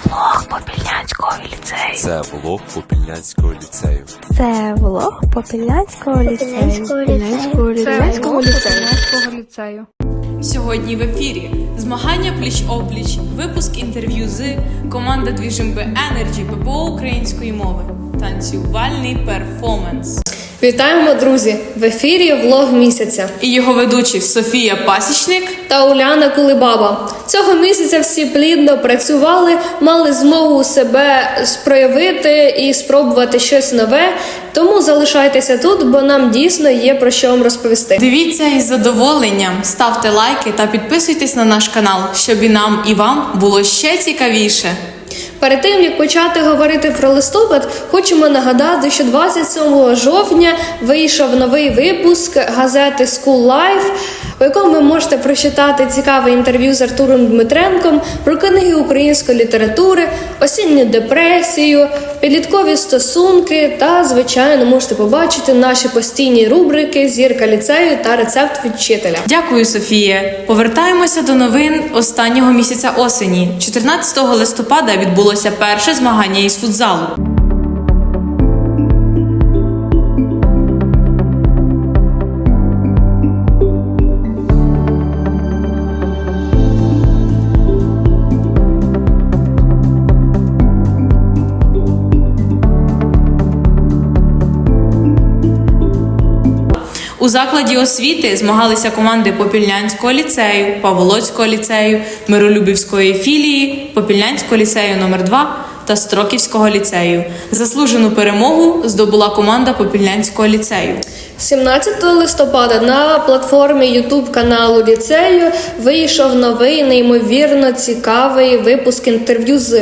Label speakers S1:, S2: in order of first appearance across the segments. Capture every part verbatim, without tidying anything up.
S1: влог Попільнянського ліцею.
S2: Це влог Попільнянського ліцею.
S1: Це влог Попільнянського ліцею.
S3: Попільнянського
S4: ліцею. Сьогодні в ефірі змагання пліч-опліч, випуск інтерв'ю з команда Двіжимби Енерджі ППО української мови, танцювальний перформанс.
S3: Вітаємо, друзі! В ефірі влог місяця.
S4: І його ведучі Софія Пасічник
S3: та Уляна Кулебаба. Цього місяця всі плідно працювали, мали змогу себе проявити і спробувати щось нове. Тому залишайтеся тут, бо нам дійсно є про що вам розповісти.
S4: Дивіться із задоволенням, ставте лайки та підписуйтесь на наш канал, щоб і нам, і вам було ще цікавіше.
S3: Перед тим, як почати говорити про листопад, хочемо нагадати, що двадцять сьомого жовтня вийшов новий випуск газети School Life, у якому ви можете прочитати цікаве інтерв'ю з Артуром Дмитренком про книги української літератури, осінню депресію, підліткові стосунки та, звичайно, можете побачити наші постійні рубрики «Зірка ліцею» та «Рецепт від вчителя».
S4: Дякую, Софія. Повертаємося до новин останнього місяця осені. чотирнадцятого листопада відбулося перше змагання із футзалу. У закладі освіти змагалися команди Попільнянського ліцею, Паволоцького ліцею, Миролюбівської філії, Попільнянського ліцею номер два та Строківського ліцею. Заслужену перемогу здобула команда Попільнянського ліцею.
S3: сімнадцятого листопада на платформі ютуб каналу ліцею вийшов новий, неймовірно цікавий випуск інтерв'ю з...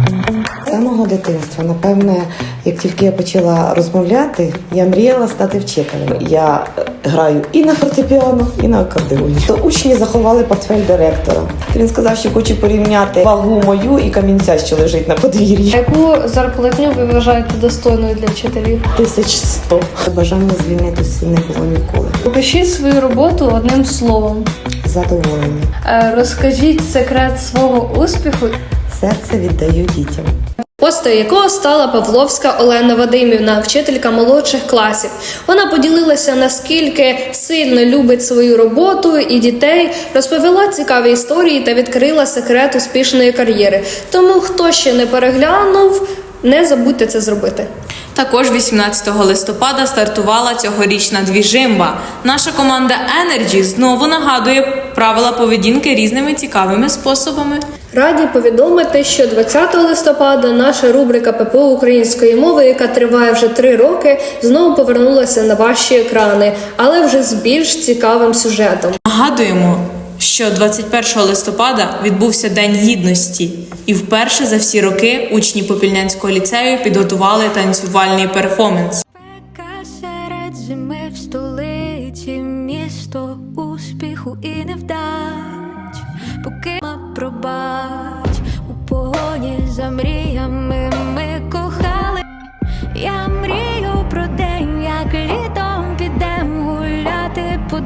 S5: З самого дитинства, напевне, як тільки я почала розмовляти, я мріяла стати вчителем. Я граю і на фортепіано, і на акордеоні. То учні заховали портфель директора. Він сказав, що хоче порівняти вагу мою і камінця, що лежить на подвір'ї.
S3: Яку зарплатню ви вважаєте достойною для вчителів?
S5: Тисяч сто. Бажання звільнитися не було ніколи.
S3: Покажіть свою роботу одним словом.
S5: Задоволення.
S3: Розкажіть секрет свого успіху.
S5: Серце віддаю дітям.
S3: Постою якого стала Павловська Олена Вадимівна, вчителька молодших класів. Вона поділилася, наскільки сильно любить свою роботу і дітей, розповіла цікаві історії та відкрила секрет успішної кар'єри. Тому, хто ще не переглянув, не забудьте це зробити.
S4: Також вісімнадцятого листопада стартувала цьогорічна Двіжимба. Наша команда Енерджі знову нагадує правила поведінки різними цікавими способами.
S3: Раді повідомити, що двадцятого листопада наша рубрика ППО української мови, яка триває вже три роки, знову повернулася на ваші екрани, але вже з більш цікавим сюжетом.
S4: Нагадуємо, що двадцять першого листопада відбувся День Гідності, і вперше за всі роки учні Попільнянського ліцею підготували танцювальний перформанс.
S6: Спека серед зими в столиці, місто успіху і невдач, поки ма пробач, у погоні за мріями ми кохали. Я мрію про день, як літом підем гуляти по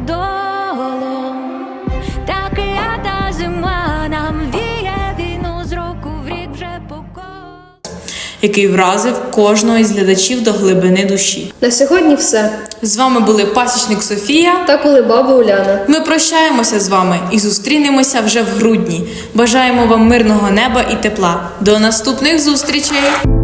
S6: долам. Та клята зима нам віє війну з року в рік вже по колу,
S4: який вразив кожного із глядачів до глибини душі.
S3: На сьогодні все.
S4: З вами були Пасічник Софія
S3: та Кулебаба Уляна.
S4: Ми прощаємося з вами і зустрінемося вже в грудні. Бажаємо вам мирного неба і тепла. До наступних зустрічей!